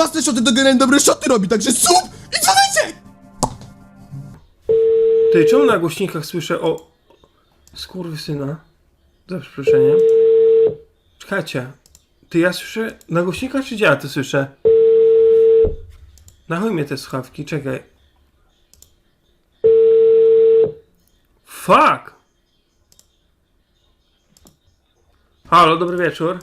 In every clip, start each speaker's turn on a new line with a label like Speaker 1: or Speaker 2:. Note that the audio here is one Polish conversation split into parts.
Speaker 1: własne szoty, to generalnie dobre szoty robi, także sub i dzwoneczek!
Speaker 2: Ty, czemu na głośnikach słyszę o... Skurwysyna? Za przeproszeniem. Czekajcie. Ty, ja słyszę... Na głośnikach czy gdzie ja to słyszę? Na chuj mnie te słuchawki, czekaj. Fuck! Halo, dobry wieczór.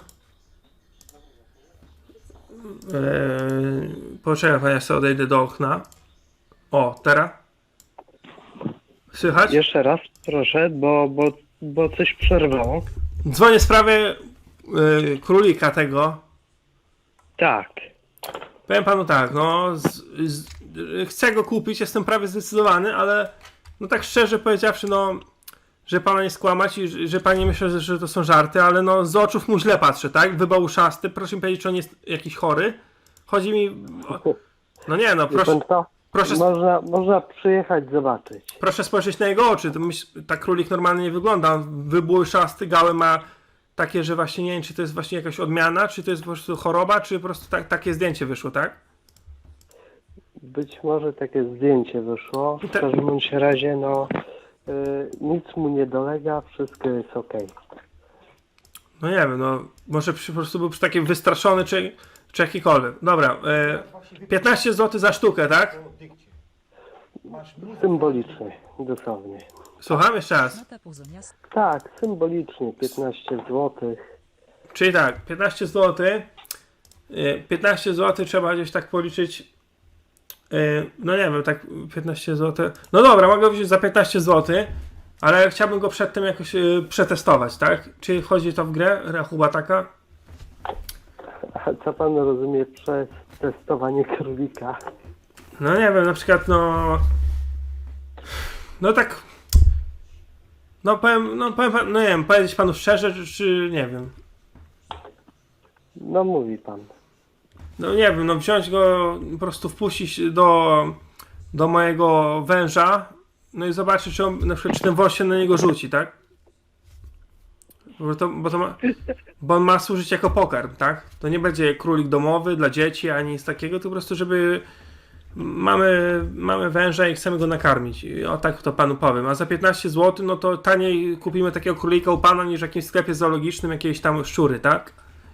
Speaker 2: Poczekaj, pan, ja sobie odejdę do okna. O, teraz? Słychać?
Speaker 3: Jeszcze raz, proszę, bo coś przerwało.
Speaker 2: Dzwonię w sprawie królika tego.
Speaker 3: Tak.
Speaker 2: Powiem panu tak, no chcę go kupić, jestem prawie zdecydowany, ale no tak szczerze powiedziawszy, no że pana nie skłamać i że pani myślę, że to są żarty, ale no z oczów mu źle patrzę, tak? Wybał uszasty, proszę mi powiedzieć, czy on jest jakiś chory. Chodzi mi... No nie, no proszę... Proszę,
Speaker 3: Można przyjechać zobaczyć.
Speaker 2: proszę spojrzeć na jego oczy, to tak królik normalnie nie wygląda, wybół szasty, gały ma takie, że właśnie nie wiem, czy to jest właśnie jakaś odmiana, czy to jest po prostu choroba, czy po prostu takie zdjęcie wyszło, tak?
Speaker 3: Być może takie zdjęcie wyszło. W każdym bądź razie, no nic mu nie dolega, wszystko jest okej.
Speaker 2: No nie wiem, no może po prostu był taki wystraszony, czy jakikolwiek. Dobra, 15 zł za sztukę, tak?
Speaker 3: Symbolicznie, dosłownie.
Speaker 2: Słucham jeszcze raz.
Speaker 3: Tak, symbolicznie, 15 zł.
Speaker 2: Czyli tak, 15 zł. 15 zł trzeba gdzieś tak policzyć. No nie wiem, tak 15 zł. No dobra, mogę wziąć za 15 zł, ale chciałbym go przedtem jakoś przetestować, tak? Czy wchodzi to w grę, rachuba taka?
Speaker 3: A co pan rozumie przez testowanie królika?
Speaker 2: No nie wiem, na przykład no tak. No powiem, no nie wiem, powiedzieć panu szczerze, czy nie wiem.
Speaker 3: No mówi pan.
Speaker 2: No nie wiem, no wziąć go, po prostu wpuścić do mojego węża, no i zobaczyć, czy on, na przykład, czy ten wąż się na niego rzuci, tak? Bo on ma służyć jako pokarm, tak? To nie będzie królik domowy dla dzieci, ani nic takiego, to po prostu, żeby mamy węża i chcemy go nakarmić. I o tak to panu powiem. A za 15 zł, no to taniej kupimy takiego królika u pana, niż w jakimś sklepie zoologicznym jakieś tam szczury, tak?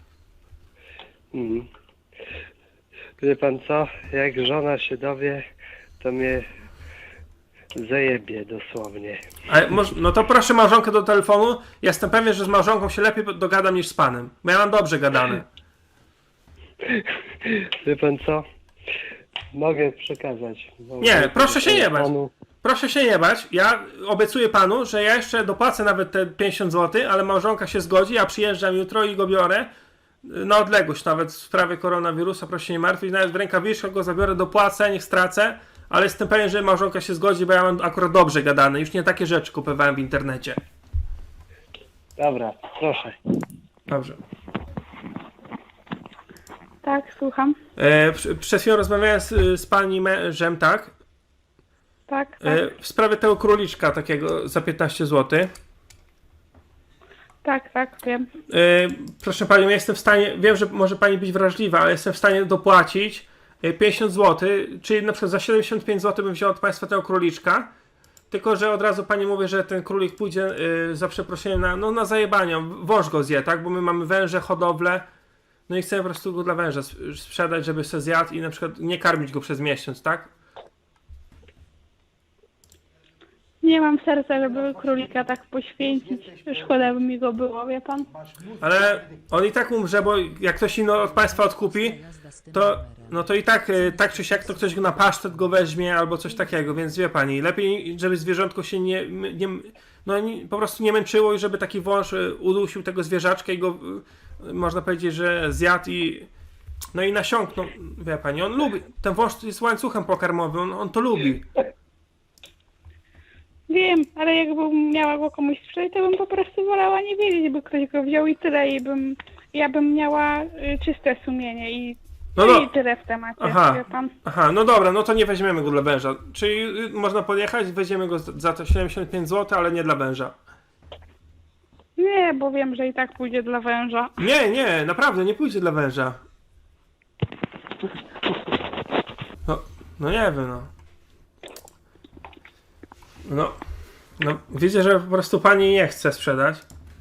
Speaker 3: Wie pan co? Jak żona się dowie, to mnie zajebie dosłownie.
Speaker 2: No to proszę małżonkę do telefonu. Ja jestem pewien, że z małżonką się lepiej dogadam niż z panem. Bo ja mam dobrze gadane.
Speaker 3: Wie pan co? Mogę przekazać.
Speaker 2: Nie, proszę się nie bać.
Speaker 3: Panu.
Speaker 2: Proszę się nie bać. Ja obiecuję panu, że ja jeszcze dopłacę nawet te 50 zł, ale małżonka się zgodzi. Ja przyjeżdżam jutro i go biorę. Na odległość nawet w sprawie koronawirusa, proszę się nie martwić. Nawet w rękawiczkach go zabiorę, dopłacę, niech stracę. Ale jestem pewien, że małżonka się zgodzi, bo ja mam akurat dobrze gadane. Już nie takie rzeczy kupowałem w internecie.
Speaker 3: Dobra, proszę.
Speaker 2: Dobrze.
Speaker 4: Tak, słucham.
Speaker 2: Przed chwilą rozmawiałem z pani mężem, tak?
Speaker 4: Tak, tak.
Speaker 2: W sprawie tego króliczka takiego za 15 zł.
Speaker 4: Tak, wiem.
Speaker 2: Proszę pani, ja jestem w stanie, wiem, że może pani być wrażliwa, ale jestem w stanie dopłacić 50 zł, czyli na przykład za 75 zł bym wziął od państwa tego króliczka. Tylko że od razu pani mówię, że ten królik pójdzie za przeproszeniem na zajebanie. Wąż go zje, tak? Bo my mamy węże, hodowlę. No i chcemy po prostu go dla węża sprzedać, żeby se zjadł i na przykład nie karmić go przez miesiąc, tak?
Speaker 4: Nie mam serca, żeby królika tak poświęcić. Szkoda by mi go było, wie pan?
Speaker 2: Ale on i tak umrze, bo jak ktoś inny od państwa odkupi, to no to i tak, tak czy siak, to ktoś go na pasztet go weźmie albo coś takiego, więc wie pani, lepiej, żeby zwierzątko się po prostu nie męczyło i żeby taki wąż udusił tego zwierzaczka i go, można powiedzieć, że zjadł i nasiąknął, wie pani, on lubi, ten wąż jest łańcuchem pokarmowym, on to lubi.
Speaker 4: Wiem, ale jakbym miała go komuś sprzedać, to bym po prostu wolała nie wiedzieć, by ktoś go wziął i tyle. Ja bym miała czyste sumienie i tyle w temacie, wie pan.
Speaker 2: Aha, no dobra, no to nie weźmiemy go dla węża. Czyli można podjechać, weźmiemy go za to 75 zł, ale nie dla węża.
Speaker 4: Nie, bo wiem, że i tak pójdzie dla węża.
Speaker 2: Nie, naprawdę, nie pójdzie dla węża. No nie wiem, no. No, widzę, że po prostu pani nie chce sprzedać.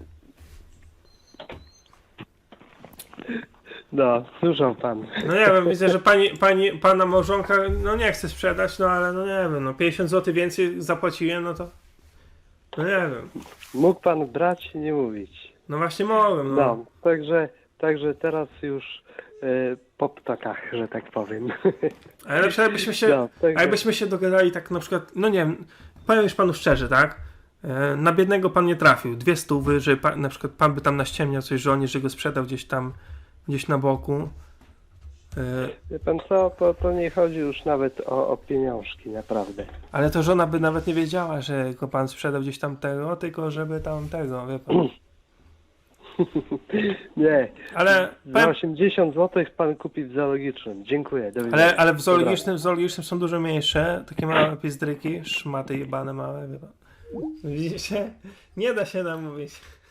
Speaker 3: No, słyszał pan.
Speaker 2: No nie wiem, widzę, że pana małżonka, no nie chce sprzedać, no ale no nie wiem, no 50 zł więcej zapłaciłem, no to... No nie wiem.
Speaker 3: Mógł pan brać i nie mówić.
Speaker 2: No właśnie mogłem, no.
Speaker 3: No, także teraz już po ptakach, że tak powiem.
Speaker 2: Ale na przykład
Speaker 3: No, także-
Speaker 2: jakbyśmy się dogadali tak na przykład, no nie wiem, powiem już panu szczerze, tak? Na biednego pan nie trafił. 200, że na przykład pan by tam naściemniał coś żonie, że go sprzedał gdzieś na boku.
Speaker 3: Wie pan co, to nie chodzi już nawet o pieniążki, naprawdę.
Speaker 2: Ale to żona by nawet nie wiedziała, że go pan sprzedał gdzieś tam tego, tylko żeby tam tego, wie pan.
Speaker 3: Nie,
Speaker 2: Ale
Speaker 3: za 80 zł pan kupi w zoologicznym. Dziękuję, do widzenia.
Speaker 2: ale w zoologicznym są dużo mniejsze, takie małe pizdryki, szmaty jebane małe, wie pan. Widzicie? Nie da się namówić.